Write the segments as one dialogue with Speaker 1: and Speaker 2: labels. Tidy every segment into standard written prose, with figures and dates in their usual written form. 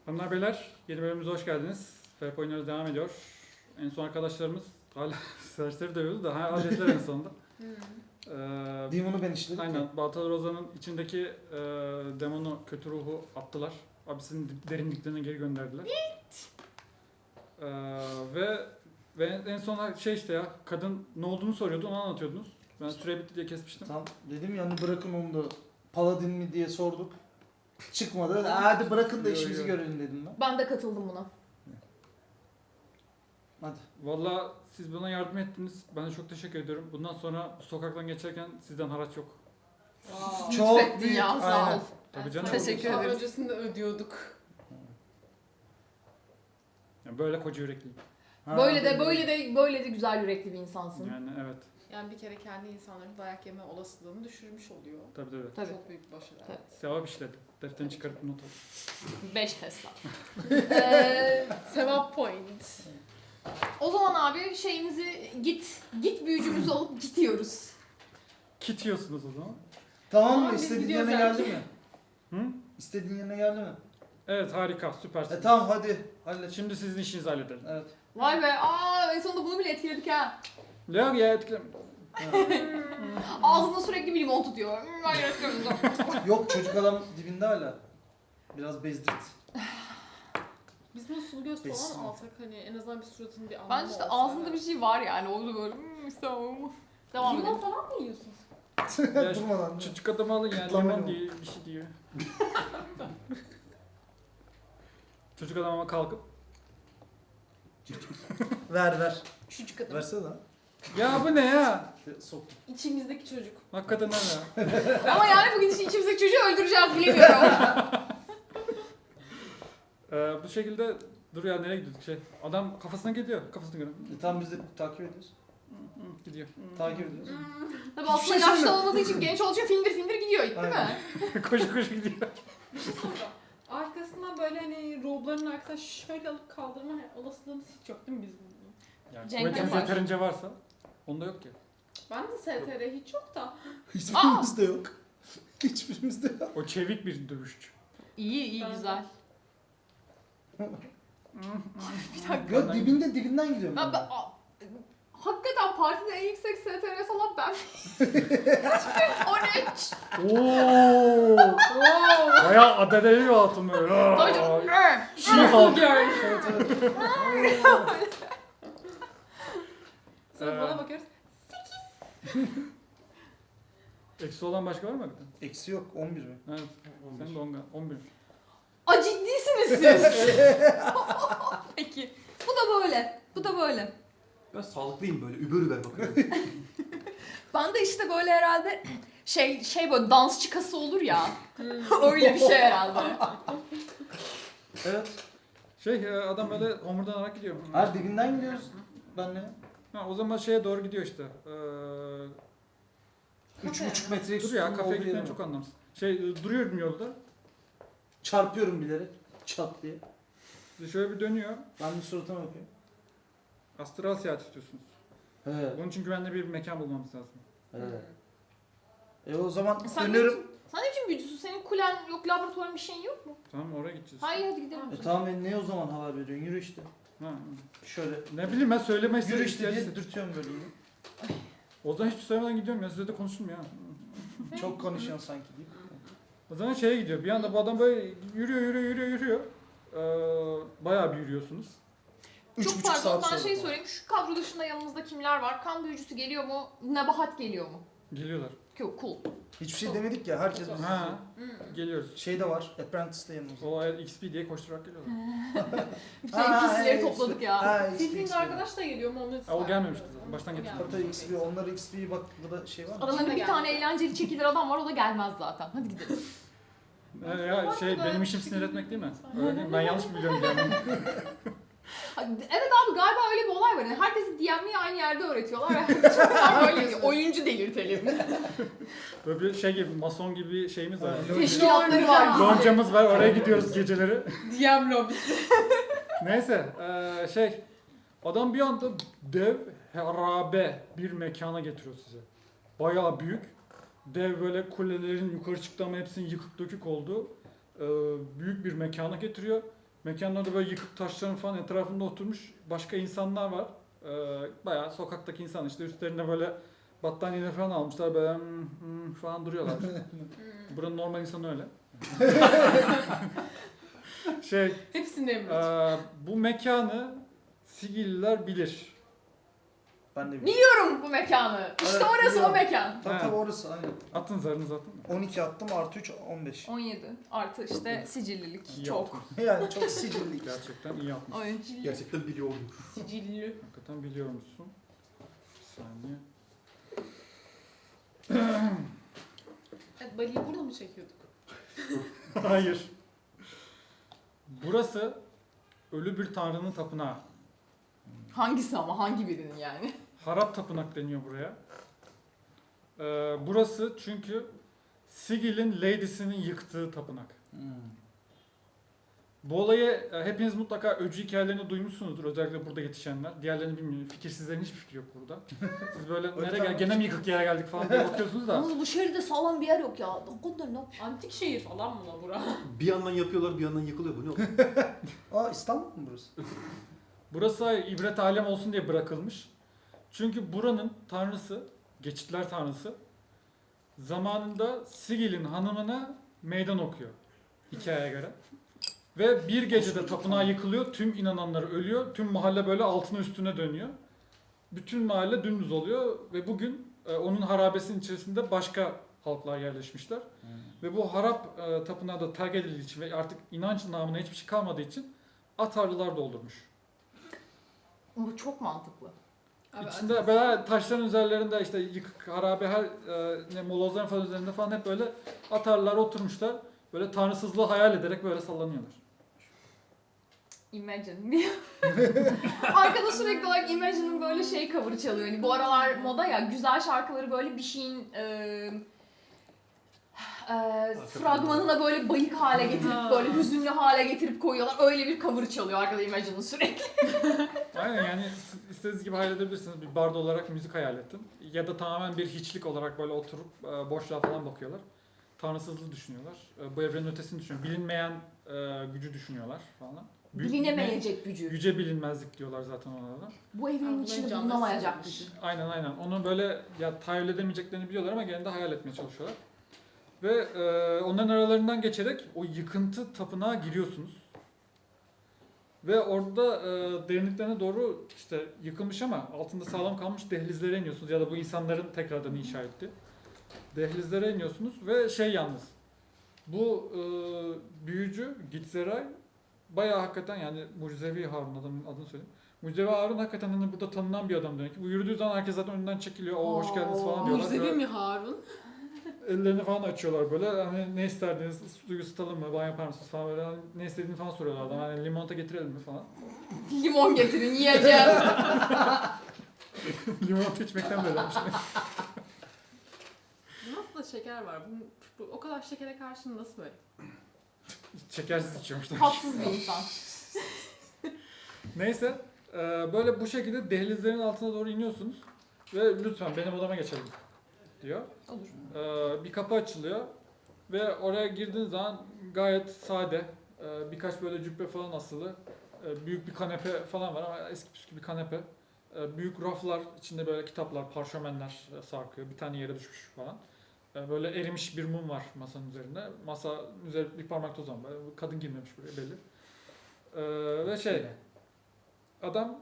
Speaker 1: Hanımlar beyler, yeni bölümümüze hoş geldiniz. FEP oynuyoruz devam ediyor. En son arkadaşlarımız hala serseri dövüyordu da hallettiler en sonunda.
Speaker 2: Demon'u ben işledim.
Speaker 1: Aynen, Baltalı Roza'nın içindeki demonu, kötü ruhu attılar. Abisinin derinliklerine geri gönderdiler. Ve en son şey işte ya, kadın ne olduğunu soruyordu, onu anlatıyordunuz. Ben süre bitti diye kesmiştim.
Speaker 2: Tam dedim ya hani bırakın onu da Paladin mi diye sorduk. Çıkmadı. Hadi bırakın da
Speaker 1: Yo,
Speaker 2: işimizi
Speaker 1: yo.
Speaker 2: görelim dedim ben.
Speaker 3: Ben de katıldım buna.
Speaker 2: Hadi.
Speaker 1: Valla siz bana yardım ettiniz. Ben de çok teşekkür ediyorum. Bundan sonra sokaktan geçerken sizden haraç yok.
Speaker 2: Çok
Speaker 3: Lütfettin
Speaker 2: büyük,
Speaker 3: ya, sağ
Speaker 2: aynen.
Speaker 3: ol.
Speaker 1: Tabii canım.
Speaker 3: Teşekkür
Speaker 4: Daha
Speaker 3: ederiz.
Speaker 4: öncesinde ödüyorduk.
Speaker 1: Yani böyle koca yürekliyim.
Speaker 2: Ha,
Speaker 3: Böyle de güzel yürekli bir insansın.
Speaker 1: Yani evet.
Speaker 4: Yani bir kere kendi insanların dayak yeme olasılığını düşürmüş oluyor.
Speaker 1: Tabii.
Speaker 3: Tabii.
Speaker 4: Çok büyük bir başarı.
Speaker 3: Tabii.
Speaker 1: Sevap işledim. Defterini çıkarıp not al.
Speaker 3: 5 Tesla.
Speaker 4: Sevap point.
Speaker 3: O zaman abi şeyimizi git büyücümüzü alıp gidiyoruz.
Speaker 1: Kit yiyorsunuz o zaman.
Speaker 2: Tamam mı?
Speaker 4: Tamam, biz
Speaker 2: İstediğin
Speaker 4: gidiyoruz
Speaker 2: yerine geldi
Speaker 4: erkeğe.
Speaker 2: mi?
Speaker 1: Hı?
Speaker 2: İstediğin yerine geldi mi?
Speaker 1: Evet harika süpersiniz.
Speaker 2: Tamam hadi. Hallet.
Speaker 1: Şimdi sizin işinizi halledelim.
Speaker 2: Evet.
Speaker 3: Vay be, en sonunda bunu bile etkiledik ha.
Speaker 1: Yok ya etkilem.
Speaker 3: Ağzında sürekli bir limon tutuyor. Ben yaratıyoruz.
Speaker 2: Yok çocuk adam dibinde hala. Biraz bezdirt.
Speaker 4: Biz bunu sulu göz
Speaker 2: Besin.
Speaker 4: falan alsak hani en azından bir suratının bir anlamı
Speaker 3: Ben işte
Speaker 4: olsa.
Speaker 3: ağzında bir şey var yani. Oldu böyle. Tamam. Devam
Speaker 4: Limon
Speaker 3: edelim.
Speaker 4: falan mı yiyorsun?
Speaker 1: Ya
Speaker 2: Durmadan.
Speaker 1: çocuk adamı alın yani
Speaker 2: Kıtlama
Speaker 1: limon
Speaker 2: limon.
Speaker 1: diye bir şey diyor. Çocuk adam ama kalkıp
Speaker 2: Ver.
Speaker 4: Küçücük adam.
Speaker 2: Versene lan.
Speaker 1: ya bu ne ya?
Speaker 2: Sok.
Speaker 4: İçimizdeki çocuk.
Speaker 1: Hakikaten ne ya?
Speaker 3: Ama yani bugün için içimizdeki çocuğu öldüreceğiz bilemiyorum.
Speaker 1: Bu şekilde dur ya nereye gidiyorduk şey. Adam kafasına gidiyor. Kafasına göre.
Speaker 2: Tamam biz de takip ediyoruz.
Speaker 1: Gidiyor.
Speaker 2: Takip ediyoruz.
Speaker 3: Tabii
Speaker 2: Hiçbir
Speaker 3: aslında
Speaker 2: şey
Speaker 3: yaşlı
Speaker 2: söyleme.
Speaker 3: olmadığı için genç olduğu için findir gidiyor değil
Speaker 2: Aynen.
Speaker 3: mi?
Speaker 1: koşu gidiyor.
Speaker 4: Bir şey soracağım. Arkasından böyle hani robların arkasından şöyle alıp kaldırma olasılığımız hiç yok değil mi bizim bunun?
Speaker 1: Yani
Speaker 3: Cenk
Speaker 1: kuvvetimiz
Speaker 3: yapar.
Speaker 1: yeterince varsa onda yok ki.
Speaker 4: Ben de STR hiç yok da.
Speaker 2: Hiçbirimizde yok. Hiçbirimizde yok.
Speaker 1: O çevik bir dövüşçü.
Speaker 3: İyi
Speaker 4: Ben de.
Speaker 3: güzel. Bir dakika.
Speaker 2: Yok dibinden gidiyorum.
Speaker 3: Hakikaten partide en yüksek STR salan ben. 13.
Speaker 1: Oo! Bayağı adedeli bir hatun böyle.
Speaker 3: Tabii canım.
Speaker 1: Şey halk.
Speaker 2: Evet, evet.
Speaker 4: Sonra bana bakıyoruz.
Speaker 1: Eksi olan başka var mı hakikaten?
Speaker 2: Eksi yok 11 mi?
Speaker 1: Evet. Sen de 11.
Speaker 3: A ciddisiniz siz. Peki. Bu da böyle.
Speaker 5: Ben sağlıklıyım böyle über bakıyorum.
Speaker 3: Ben de işte böyle herhalde şey böyle dansçı kası olur ya. Öyle bir şey herhalde.
Speaker 2: Evet.
Speaker 1: Adam böyle homurdanarak gidiyor.
Speaker 2: Her dibinden gidiyoruz. Ben ne?
Speaker 1: Ha, o zaman şeye doğru gidiyor işte.
Speaker 2: 3,5 metre
Speaker 1: Dur ya kafeye gitmeyen çok anlamsız. Duruyorum yolda.
Speaker 2: Çarpıyorum bilerek. Çat diye.
Speaker 1: Şöyle bir dönüyor.
Speaker 2: Ben de suratına bakıyorum.
Speaker 1: Astral seyahat istiyorsunuz.
Speaker 2: He.
Speaker 1: Bunun için güvenli bir mekan bulmamız lazım.
Speaker 2: He. O zaman
Speaker 3: Sen
Speaker 2: dönüyorum.
Speaker 3: Sen ne biçim büyücüsün? Senin kulen yok, laboratuvarın bir şeyin yok mu?
Speaker 1: Tamam oraya gideceğiz.
Speaker 3: Hayır hadi gidelim.
Speaker 2: Tamam ne o zaman haber veriyorsun? Yürü işte.
Speaker 1: Ha.
Speaker 2: Şöyle.
Speaker 1: Ne bileyim ben söyleme
Speaker 2: Yürü
Speaker 1: istedim.
Speaker 2: işte diye dürtüyorum böyle.
Speaker 1: O zaman hiç söylemeden gidiyorum ya. Size de konuştum ya.
Speaker 2: Çok konuşuyorsun sanki deyip.
Speaker 1: O zaman şeye gidiyor. Bir anda bu adam böyle yürüyor. Bayağı bir yürüyorsunuz.
Speaker 3: Çok
Speaker 2: 3,5
Speaker 3: pardon
Speaker 2: saat
Speaker 3: ben
Speaker 2: sonra.
Speaker 3: şey sorayım. Şu kadro dışında yanımızda kimler var? Kan büyücüsü geliyor mu? Nebahat geliyor mu?
Speaker 1: Geliyorlar.
Speaker 3: Cool.
Speaker 2: Hiçbir şey demedik ya. Herkes bizi
Speaker 1: Ha,
Speaker 3: Hmm.
Speaker 1: geliyoruz.
Speaker 2: Şey de var. Apprentice de yanımızda.
Speaker 1: O XP diye koşturarak geliyorlar.
Speaker 3: Bütün NPC'leri topladık ya.
Speaker 2: Ha,
Speaker 4: Bildiğin
Speaker 2: XP.
Speaker 4: arkadaş da geliyor mu onu
Speaker 1: O gelmemişti zaten. Baştan getirdim.
Speaker 2: Hatta XP, onları XP bak burada şey var mı?
Speaker 3: Aralarında bir
Speaker 4: Şimdi
Speaker 3: tane
Speaker 4: geldi.
Speaker 3: eğlenceli çekilir adam var, o da gelmez zaten. Hadi gidelim.
Speaker 1: Ya benim işim sinir etmek değil mi? Öyle değil mi? Ben yanlış mı biliyorum yani?
Speaker 3: Evet abi galiba öyle bir olay var. Yani herkesi DM'yi aynı yerde öğretiyorlar ve herkes böyle oyuncu delirtelim.
Speaker 1: Böyle bir şey gibi, mason gibi bir şeyimiz var.
Speaker 3: Teşkilatları var.
Speaker 1: Loncamız var, oraya gidiyoruz geceleri.
Speaker 4: DM lobisi.
Speaker 1: Neyse, adam bir anda dev, harabe bir mekana getiriyor size. Bayağı büyük. Dev böyle kulelerin yukarı çıktı ama hepsinin yıkık dökük olduğu büyük bir mekana getiriyor. Mekanın orada böyle yıkık taşların falan etrafında oturmuş başka insanlar var. Bayağı sokaktaki insan işte üstlerine böyle battaniyeler falan almışlar böyle falan duruyorlar. Buranın normal insanı öyle.
Speaker 4: Hepsinde mi?
Speaker 1: Bu mekanı Sigilliler bilir.
Speaker 2: Ben de
Speaker 3: Biliyorum bu mekanı. İşte
Speaker 2: Evet,
Speaker 3: orası
Speaker 2: biliyorum.
Speaker 3: o mekan.
Speaker 2: Tabii
Speaker 1: Ha.
Speaker 2: tabii orası aynen.
Speaker 1: Atın zarınızı atın.
Speaker 2: 12 attım artı 3 15.
Speaker 3: 17 artı işte sicillilik
Speaker 1: İyi
Speaker 3: çok.
Speaker 1: yaptınız.
Speaker 2: Yani çok sicilli.
Speaker 1: Gerçekten iyi yapmışsın.
Speaker 3: Ay.
Speaker 5: Gerçekten biliyordum.
Speaker 4: Sicilli.
Speaker 1: Hakikaten biliyormuşsun. Bir saniye.
Speaker 4: Evet, Bali'yi burada mı çekiyorduk?
Speaker 1: Hayır. Burası ölü bir tanrının tapınağı.
Speaker 3: Hangisi ama hangi birinin yani?
Speaker 1: Harap tapınak deniyor buraya. Burası çünkü Sigil'in Lady'sinin yıktığı tapınak. Bu olayı hepiniz mutlaka öcü hikayelerini duymuşsunuzdur. Özellikle burada yetişenler. Diğerlerini bilmiyorum. Fikirsizlerin hiçbir fikri yok burada. Siz böyle nereye gene mi yıkık yere geldik falan diye bakıyorsunuz da.
Speaker 3: Yalnız bu şehirde sağlam bir yer yok ya. Ne yapıyor?
Speaker 4: Antik şehir falan mı lan bura?
Speaker 5: Bir yandan yapıyorlar bir yandan yıkılıyor. Bu ne oğlum?
Speaker 2: Aa İstanbul mu burası?
Speaker 1: Burası ibret alem olsun diye bırakılmış. Çünkü buranın tanrısı, geçitler tanrısı zamanında Sigil'in hanımına meydan okuyor hikayeye göre. Ve bir gecede tapınağı yıkılıyor, tüm inananlar ölüyor, tüm mahalle böyle altına üstüne dönüyor. Bütün mahalle dümdüz oluyor ve bugün onun harabesinin içerisinde başka halklar yerleşmişler. Ve bu harap tapınağı da terk edildiği için ve artık inanç namına hiçbir şey kalmadığı için atarlılar doldurmuş.
Speaker 3: Bu çok mantıklı.
Speaker 4: Abi,
Speaker 1: İçinde böyle taşların üzerlerinde işte yıkık, harabe her molozların falan üzerinde falan hep böyle atarlar oturmuşlar. Böyle tanrısızlığı hayal ederek böyle sallanıyorlar.
Speaker 3: Imagine. Arkada sürekli olarak Imagine'ın böyle şey cover'ı çalıyor. Hani bu aralar moda ya güzel şarkıları böyle bir şeyin fragmanına böyle bayık hale getirip böyle hüzünlü hale getirip koyuyorlar. Öyle bir cover'ı çalıyor arkada Imagine'ın sürekli.
Speaker 1: Aynen yani siz istediğiniz gibi hayal edebilirsiniz. Bir bardo olarak müzik hayal ettim. Ya da tamamen bir hiçlik olarak böyle oturup boşluğa falan bakıyorlar. Tanrısızlığı düşünüyorlar. Bu evrenin ötesini düşünüyorlar. Bilinmeyen gücü düşünüyorlar falan.
Speaker 3: Bilinemeyecek gücü.
Speaker 1: Yüce bilinmezlik diyorlar zaten ona da.
Speaker 3: Bu evrenin
Speaker 4: Bunların
Speaker 3: içinde
Speaker 4: canlısı
Speaker 3: bulunamayacak
Speaker 4: olmuş.
Speaker 3: gücü.
Speaker 1: Aynen. Onu böyle ya tahayyül edemeyeceklerini biliyorlar ama gene de hayal etmeye çalışıyorlar. Ve onların aralarından geçerek o yıkıntı tapınağa giriyorsunuz. Ve orada derinliklerine doğru işte yıkılmış ama altında sağlam kalmış dehlizlere iniyorsunuz. Ya da bu insanların tekrardan inşa ettiği dehlizlere iniyorsunuz ve yalnız. Bu büyücü Gitzeray bayağı hakikaten yani Mucizevi Harun adını söyleyeyim. Mucizevi Harun hakikaten hani burada tanınan bir adam demek ki. Bu yürüdüğü zaman herkes zaten önünden çekiliyor. O hoş geldiniz falan diyorlar.
Speaker 4: Mucizevi
Speaker 1: Böyle
Speaker 4: mi Harun?
Speaker 1: ellerini falan açıyorlar böyle. Hani ne isterdiniz? Suyu ısıtalım mı? Banyo yapar mısınız falan böyle. Hani ne istediğini falan soruyorlar adam. Hani limonata getirelim mi falan.
Speaker 3: Limon getirin yiyeceğim.
Speaker 1: Limonata içmekten böyle olmuş.
Speaker 4: Nasıl da şeker var? Bu o kadar şekere karşı nasıl böyle?
Speaker 1: Şekersiz içiyormuşlar.
Speaker 3: Tatsız bir insan.
Speaker 1: Neyse. Böyle bu şekilde dehlizlerin altına doğru iniyorsunuz. Ve lütfen benim odama geçelim diyor.
Speaker 3: Olur.
Speaker 1: Bir kapı açılıyor. Ve oraya girdiğiniz zaman gayet sade. Birkaç böyle cübbe falan asılı. Büyük bir kanepe falan var ama eski püskü bir kanepe. Büyük raflar, içinde böyle kitaplar, parşömenler sarkıyor. Bir tane yere düşmüş falan. Böyle erimiş bir mum var masanın üzerinde. Masa üzerinde bir parmak toz var. Kadın girmemiş buraya belli. Ve adam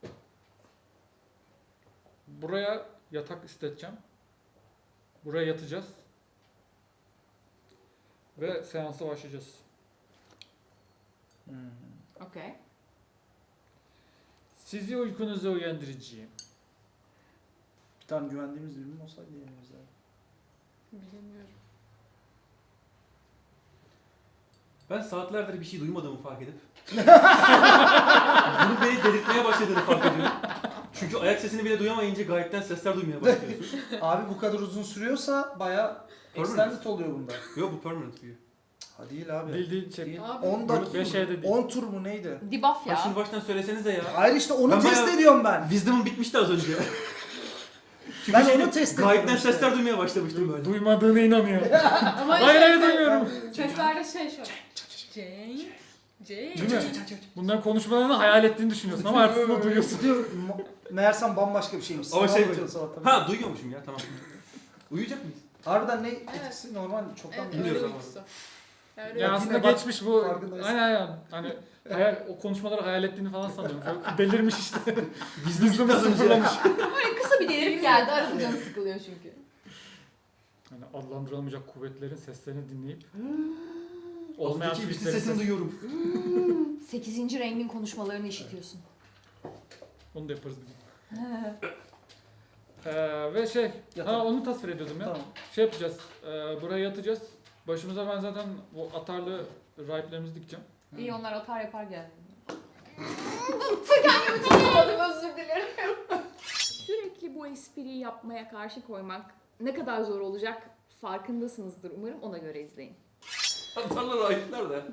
Speaker 1: buraya yatak isteteceğim. Buraya yatacağız. Ve seansa başlayacağız.
Speaker 3: Okey.
Speaker 1: Sizi uykunuza uyandıracağım.
Speaker 2: Bir tane güvendiğimiz birim olsaydı yerimizde.
Speaker 4: Bilemiyorum.
Speaker 5: Ben saatlerdir bir şey duymadığımı fark edip bunu beni delirtmeye başladığını fark ediyorum. Çünkü ayak sesini bile duyamayınca gayetten sesler duymaya başlıyorsun.
Speaker 2: Abi bu kadar uzun sürüyorsa bayağı
Speaker 5: Permanent.
Speaker 2: extended oluyor bunda.
Speaker 5: Yok bu permanent büyü.
Speaker 2: Ha değil abi.
Speaker 1: Değil
Speaker 2: Değil.
Speaker 4: Abi,
Speaker 2: 10 dakika.
Speaker 1: 5 şeyde değil.
Speaker 2: 10 tur mu neydi?
Speaker 3: Debuff
Speaker 5: Ha şunu
Speaker 3: ya.
Speaker 5: baştan söylesenize ya.
Speaker 2: Hayır işte onu
Speaker 5: Ben
Speaker 2: test
Speaker 5: bayağı-
Speaker 2: ediyorum ben.
Speaker 5: Wisdom'um bitmişti az önce. Çünkü
Speaker 2: Ben
Speaker 5: şeyde
Speaker 2: onu test ediyorum
Speaker 5: gayetten
Speaker 2: işte.
Speaker 5: sesler duymaya başlamıştım böyle.
Speaker 1: Duymadığına inanıyor.
Speaker 4: Ama
Speaker 1: Hayır, hayır, duymuyorum.
Speaker 4: Seslerde şey şöyle. Jane.
Speaker 1: Değil mi? Bunların konuşmalarını hayal ettiğini düşünüyorsun ama artık duyuyorsun.
Speaker 2: Meğersem bambaşka bir şeymiş.
Speaker 5: Ama
Speaker 2: Sana
Speaker 5: şey-
Speaker 2: anlatıyor sabahtan.
Speaker 5: Ha duyuyormuşum ya tamam. Uyuyacak mıyız?
Speaker 2: Harbiden ne etkisi normal çoktan
Speaker 4: Evet,
Speaker 2: biliyoruz.
Speaker 4: öyle
Speaker 5: Biliyoruz
Speaker 4: uykusu. Yani
Speaker 1: Ya
Speaker 4: öyle
Speaker 1: aslında
Speaker 2: Yine bak,
Speaker 1: geçmiş bu.
Speaker 2: farkındayız.
Speaker 1: Aynen. Hani o konuşmaları hayal ettiğini falan sanıyorum. Çok delirmiş işte. Vizyonu sıfırlamış.
Speaker 3: Böyle kısa bir delirip geldi. Arada canı sıkılıyor çünkü.
Speaker 1: Hani adlandırılamayacak kuvvetlerin seslerini dinleyip olmayan
Speaker 5: Olmayan bir
Speaker 1: sesleri
Speaker 5: sesini duyuyorum.
Speaker 3: 8. rengin konuşmalarını işitiyorsun.
Speaker 1: Onu da yaparız bir gün. Ve şey,
Speaker 2: Yatalım.
Speaker 1: onu tasvir ediyordum ya.
Speaker 2: Tamam.
Speaker 1: Şey yapacağız, buraya yatacağız. Başımıza ben zaten bu atarlı rahiplerimizi dikeceğim.
Speaker 3: İyi onlar atar yapar geldi. Kendimi tutamadım, özür dilerim. Sürekli bu espriyi yapmaya karşı koymak ne kadar zor olacak farkındasınızdır umarım, ona göre izleyin.
Speaker 5: Atarlar ayıplar da.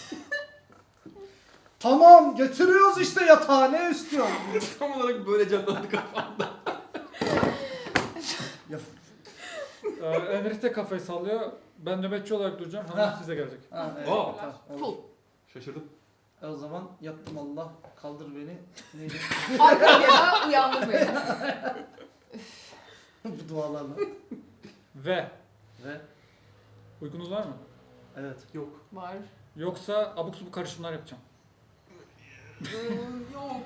Speaker 2: Tamam getiriyoruz işte yatağı ne istiyorsun?
Speaker 5: Tam olarak böyle canlandı kafamda.
Speaker 1: Enrique kafayı sallıyor. Ben nöbetçi olarak duracağım. Hanım size gelecek.
Speaker 2: Ha, evet,
Speaker 5: Aa.
Speaker 2: tamam, olur.
Speaker 3: Cool.
Speaker 5: Şaşırdım.
Speaker 2: O zaman yattım Allah kaldır beni. Neydi?
Speaker 3: Arkaya uyandır beni.
Speaker 2: Bu dualarla.
Speaker 1: Ve
Speaker 2: Ve
Speaker 1: uykunuz var mı?
Speaker 2: evet.
Speaker 5: Yok.
Speaker 3: Var.
Speaker 1: Yoksa abuk subuk karışımlar yapacağım.
Speaker 5: Yok.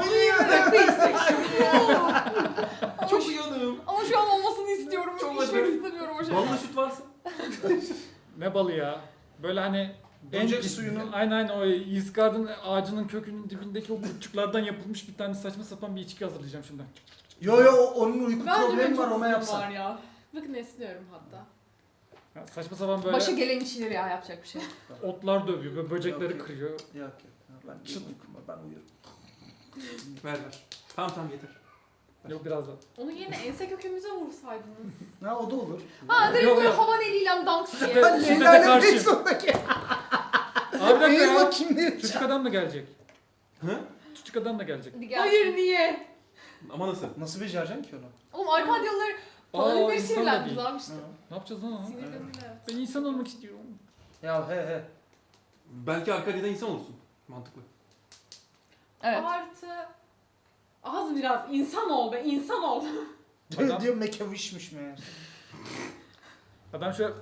Speaker 3: Ama
Speaker 5: Çok
Speaker 3: şu-
Speaker 5: uyanığım.
Speaker 3: Ama şu an olmasını istiyorum.
Speaker 5: Çok
Speaker 3: İçmek
Speaker 5: acı.
Speaker 3: istemiyorum o şeyi.
Speaker 5: Ballı süt varsa.
Speaker 1: Ne balı ya? Böyle hani
Speaker 2: Böcek
Speaker 1: pis-
Speaker 2: suyunun-
Speaker 1: Aynen o Yizgard'ın ağacının kökünün dibindeki o kurtçuklardan yapılmış bir tane saçma sapan bir içki hazırlayacağım şimdi.
Speaker 2: Yo onun uyku
Speaker 4: Ben de
Speaker 2: problemi var
Speaker 4: çok
Speaker 2: ona
Speaker 4: uykum
Speaker 2: yapsan.
Speaker 4: var ya. Bakın esniyorum hatta.
Speaker 1: Ya saçma sapan böyle
Speaker 3: Başı gelen içilir ya, yapacak bir şey.
Speaker 1: otlar dövüyor, böyle böcekleri
Speaker 2: Yok, yok.
Speaker 1: kırıyor.
Speaker 2: Yok yok. Ben uykum var ben uyuyorum.
Speaker 5: Ver. Tamam yeter.
Speaker 1: Yok biraz da.
Speaker 4: Onu yine ense kökümüze vursaydınız.
Speaker 2: Ha o da olur.
Speaker 3: Ha direkt
Speaker 1: Yok,
Speaker 3: böyle
Speaker 1: yok.
Speaker 3: havan eliyle dans diye.
Speaker 1: Ben-
Speaker 2: Ben
Speaker 1: Şiddete
Speaker 2: Leyla'yla
Speaker 1: karşıyım.
Speaker 2: pek sondaki.
Speaker 1: Abi bir dakika
Speaker 2: Eğil
Speaker 1: ya.
Speaker 2: bakayım ne
Speaker 1: Küçük adam da gelecek.
Speaker 5: Hı?
Speaker 1: Küçük adam da gelecek.
Speaker 3: Hadi gel.
Speaker 4: Hayır niye?
Speaker 5: Ama nasıl?
Speaker 2: Nasıl becereceksin ki onu?
Speaker 3: Oğlum Arkadyalılar
Speaker 1: Aa,
Speaker 3: Paralimleri
Speaker 1: insan da
Speaker 3: sinirlendiniz
Speaker 1: değil.
Speaker 3: abi işte.
Speaker 1: Ne yapacağız lan onu?
Speaker 4: Sinirlendim de.
Speaker 1: Ben insan olmak istiyorum.
Speaker 2: Ya he.
Speaker 5: Belki Arkadya'da insan olursun. Mantıklı.
Speaker 3: Evet.
Speaker 4: Artı az biraz insan ol be, insan ol.
Speaker 1: Adam-
Speaker 2: Diyor mekavişmiş meğer.
Speaker 1: Adam şöyle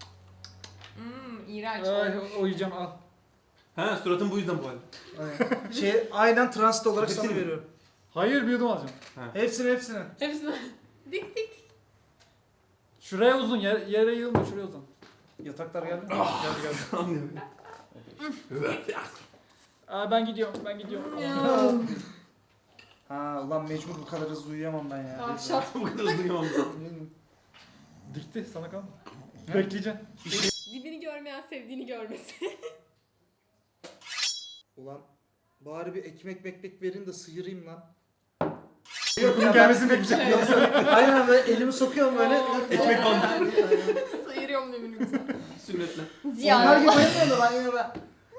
Speaker 3: İğrenç
Speaker 1: ay,
Speaker 3: olmuş.
Speaker 1: oyacağım al.
Speaker 5: Ha suratın bu yüzden bu halde.
Speaker 2: Aynen transit olarak sana
Speaker 5: Hepsini mi?
Speaker 2: veriyorum.
Speaker 1: Hayır bir yudum alacağım.
Speaker 2: Hepsini.
Speaker 4: Hepsini dik dik.
Speaker 1: Şuraya uzun yere yığılma şuraya uzun.
Speaker 2: Yataklar geldi mi?
Speaker 1: Geldi geldi.
Speaker 5: Anlıyorum.
Speaker 1: Aa, ben gidiyorum.
Speaker 2: Ha ulan mecbur bu kadar hızlı uyuyamam ben ya.
Speaker 4: Tavşat.
Speaker 5: Bu kadar hızlı duyamam zaten.
Speaker 1: Dikti sana kalma.
Speaker 2: Ne?
Speaker 1: Bekleyeceğim.
Speaker 4: Dibini görmeyen sevdiğini görmesin.
Speaker 2: Ulan bari bir ekmek verin de sıyırayım lan.
Speaker 1: Bunun gelmesini bekleyeceğim.
Speaker 2: Aynen böyle elimi sokuyorum böyle.
Speaker 5: Ekmek bandı.
Speaker 3: Sıyırıyorum demini güzel.
Speaker 5: Sünnetle.
Speaker 2: Onlar
Speaker 3: Ziyan.
Speaker 2: gibi uyumuyor da ben yine ben.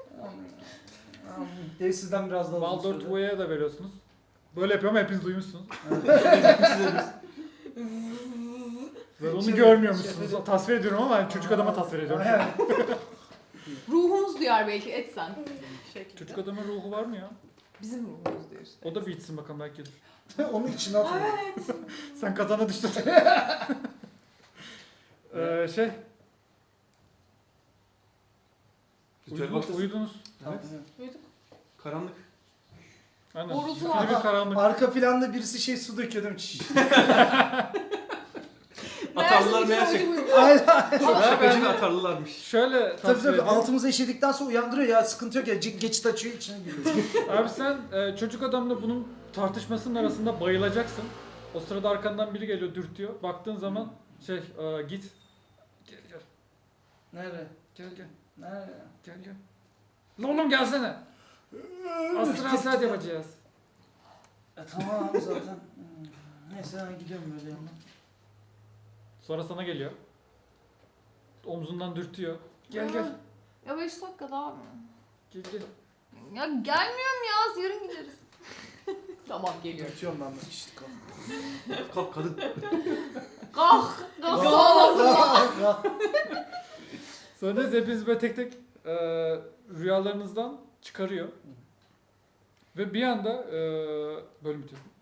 Speaker 2: Dev sizden biraz daha uzun
Speaker 1: Baldor
Speaker 2: sürdü.
Speaker 1: Tuğa'ya da veriyorsunuz. Böyle yapıyorum hepiniz duymuşsunuz. Ben onu
Speaker 2: Şimdi-
Speaker 1: görmüyormuşsunuz.
Speaker 2: şimdi-
Speaker 1: Tasvir ediyorum ama çocuk adama tasvir ediyorum.
Speaker 2: Aynen.
Speaker 3: Ruhumuz duyar belki, et sen.
Speaker 4: Şekilde.
Speaker 1: Çocuk adamın ruhu var mı ya?
Speaker 3: Bizim ruhumuz duyar işte.
Speaker 1: O da bir içsin bakalım belki gelir.
Speaker 2: Onu içine atın.
Speaker 1: Sen kazana düştün. Şey,
Speaker 5: Ritüel
Speaker 1: uyudunuz.
Speaker 5: başlasın.
Speaker 1: uyudunuz.
Speaker 2: Tamam.
Speaker 4: Uyuduk.
Speaker 5: Karanlık.
Speaker 1: Aynen.
Speaker 3: Borusu
Speaker 1: Zifiri
Speaker 3: var.
Speaker 1: bir karanlık.
Speaker 2: Arka planda birisi su döküyor değil mi? Çiş.
Speaker 5: Atarlılar
Speaker 3: Meğerse
Speaker 5: meğer
Speaker 3: bütün
Speaker 5: şey.
Speaker 3: oyunu
Speaker 2: Aynen.
Speaker 5: Çok
Speaker 1: Ben
Speaker 5: şakacı
Speaker 1: de-
Speaker 5: ve atarlılarmış.
Speaker 1: Şöyle
Speaker 2: Tabii
Speaker 1: tasvir
Speaker 2: tabii
Speaker 1: edeyim.
Speaker 2: altımıza işedikten sonra uyandırıyor ya sıkıntı yok ya geçit açıyor içine giriyor.
Speaker 1: Abi sen çocuk adamla bunun tartışmasının arasında bayılacaksın. O sırada arkandan biri geliyor dürtüyor. Baktığın zaman git. Gel gel.
Speaker 2: Nerede?
Speaker 1: Gel gel.
Speaker 2: Nerede?
Speaker 1: Gel gel. Lan oğlum gelsene. Astra saat yapacağız.
Speaker 2: Tamam zaten. Neyse ben gidiyorum böyle yanına.
Speaker 1: Sonra sana geliyor. Omzundan dürtüyor. Gel gel.
Speaker 3: Ya 5 dakika daha mı?
Speaker 1: Gel gel.
Speaker 3: Ya gelmiyorum ya, yarın gideriz. Tamam geliyorum.
Speaker 2: Dürtüyorum ben de işte kalk.
Speaker 5: Kalk kadın.
Speaker 3: Kalk. Kalk. Sağ
Speaker 1: Sonra neyse hepiniz böyle tek tek rüyalarınızdan çıkarıyor. Ve bir anda bölüm bitiyor.